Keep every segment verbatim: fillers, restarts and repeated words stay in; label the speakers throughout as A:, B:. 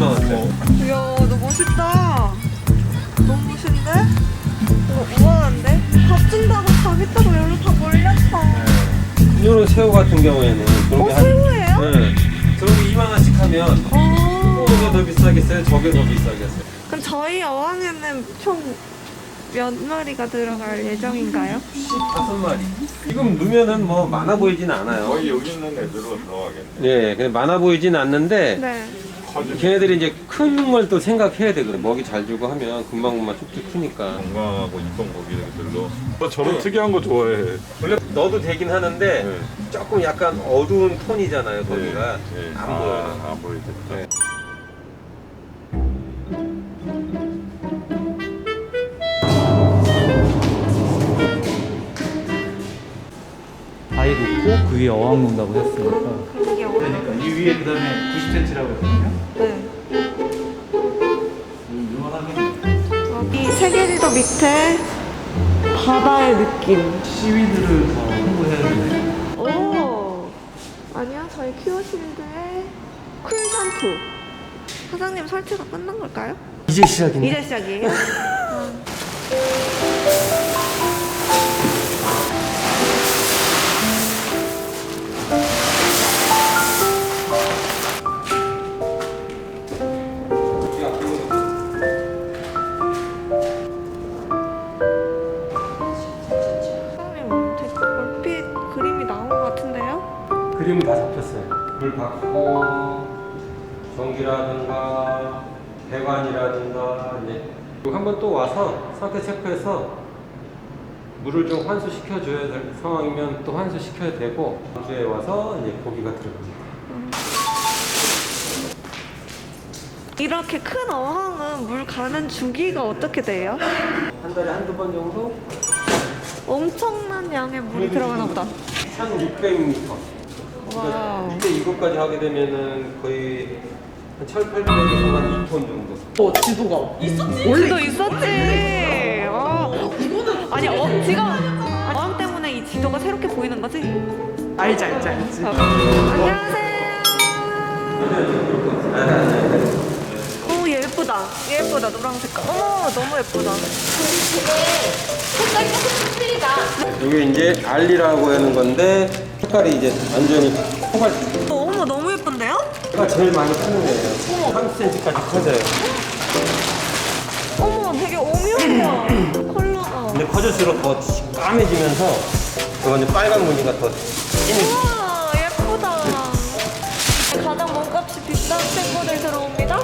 A: 이십만 원대.
B: 이야, 너 멋있다. 너무 멋있는데? 이거 우아한데? 밥 준다고 가겠다고 여기로 다 몰렸어.
A: 이런 새우 같은 경우에는 그런
B: 어,
A: 게 한-
B: 새우예요?
A: 네. 그런 게 이만 원씩 하면
B: 어.
A: 이게 더 비싸겠어요? 저게 더 비싸겠어요?
B: 그럼 저희 어항에는 총 몇 마리가 들어갈 예정인가요?
A: 다섯 마리. 지금 넣으면은 뭐 많아 보이진 않아요.
C: 거의 여기 있는 애들로 들어가겠네.
A: 예, 그냥 많아 보이진 않는데
B: 네.
A: 걔네들이 이제 큰 걸 또 생각해야 돼. 그래. 먹이 잘 주고 하면 금방금방 쭉쭉 크니까.
C: 건강하고 이쁜 고기들로. 나 저런 특이한 거 좋아해.
A: 원래 넣어도 되긴 하는데
C: 네.
A: 조금 약간 어두운 톤이잖아요. 거기가
C: 네.
A: 안
C: 아,
A: 보여요.
C: 안 보이겠다.
A: 네.
D: 바위 놓고 그 위에 어항 놓는다고 했으니까
B: 그게 어려워.
D: 그러니까 이 위에 그 다음에 구십 센티미터라고 했거든요.
B: 네.
D: 유명하겠네.
B: 이 세계지도 밑에 바다의 느낌.
D: 시위드를 더 홍보해야 되네.
B: 오. 아니야, 저희 큐어실드의 쿨 샴푸. 사장님 설치가 끝난 걸까요?
D: 이제 시작이네.
B: 이제 시작이에요? 사장님, 되게 얼핏 그림이 나온 것 같은데요?
A: 그림은 다 잡혔어요. 물 받고 전기라든가 배관이라든가 이제 한번 또 와서 상태 체크해서 물을 좀 환수시켜 줘야 될 상황이면 또 환수시켜야 되고 다음 주에 와서 이제 고기가 들어갑니다.
B: 이렇게 큰 어항은 물 가는 주기가 어떻게 돼요?
A: 한 달에 한두 번 정도?
B: 엄청난 양의 물이 들어가나 보다.
A: 천육백 미터.
B: 와우.
A: 이때 이것까지 하게 되면은 거의 한 천팔백에서 한 이 톤 정도.
E: 어, 지도가 있었지?
B: 원래도 있었지. 어. 아니, 어, 지금 어항 때문에 이 지도가 새롭게 보이는 거지?
E: 알지, 알지, 알지.
B: 안녕하세요. 오, 얘 예쁘다. 얘 예쁘다. 노랑 색깔. 어머, 너무 예쁘다.
E: 색깔이 조금 틀리다.
A: 이게 이제 알리라고 하는 건데 색깔이 이제 완전히 코발트.
B: 어, 어머, 너무 예쁜데요?
A: 가 제일 많이 크는 애예요. 삼십 센티미터까지 커져요.
B: 어머, 되게 오묘해요. 컬러가.
A: 근데 커질수록 더 까매지면서 이거 이제 빨간 무늬가 더 진해.
B: 우와, 예쁘다. 가장 몸값이 비싼 친구들 들어옵니다.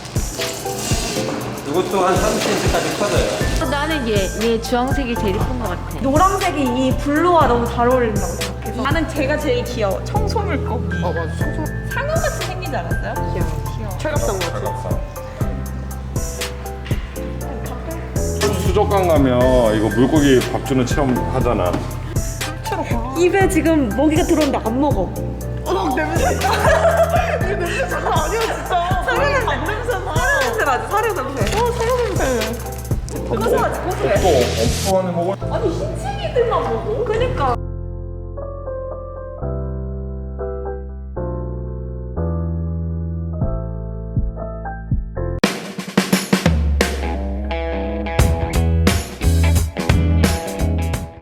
A: 이것도 한 삼십 센티미터까지 커져요.
F: 나는 얘, 얘 주황색이 제일 예쁜 것 같아.
B: 노란색이 이 블루와 너무 잘 어울린다고 생각해서.
E: 나는 제가 제일 귀여워. 청소물고기. 어, 맞아. 청소. 상어같이 생기지 않았어요? 귀여워. 귀여워.
B: 철갑상 같아.
C: 차갑상. 수족관 가면 이거 물고기 밥 주는 체험 하잖아.
B: 입에 지금 먹이가 들어오는데 안 먹어.
E: 어, 냄새. 이 냄새 장난 아니야, 진짜. 사료 냄새. 밥 냄새 나. 사료 냄새 나지, 사료 냄새. 어, 사료 냄새. 고소하지, 고소해.
C: 또 엄청 많이 먹어.
E: 아니, 흰챙이들만 먹어?
B: 그니까.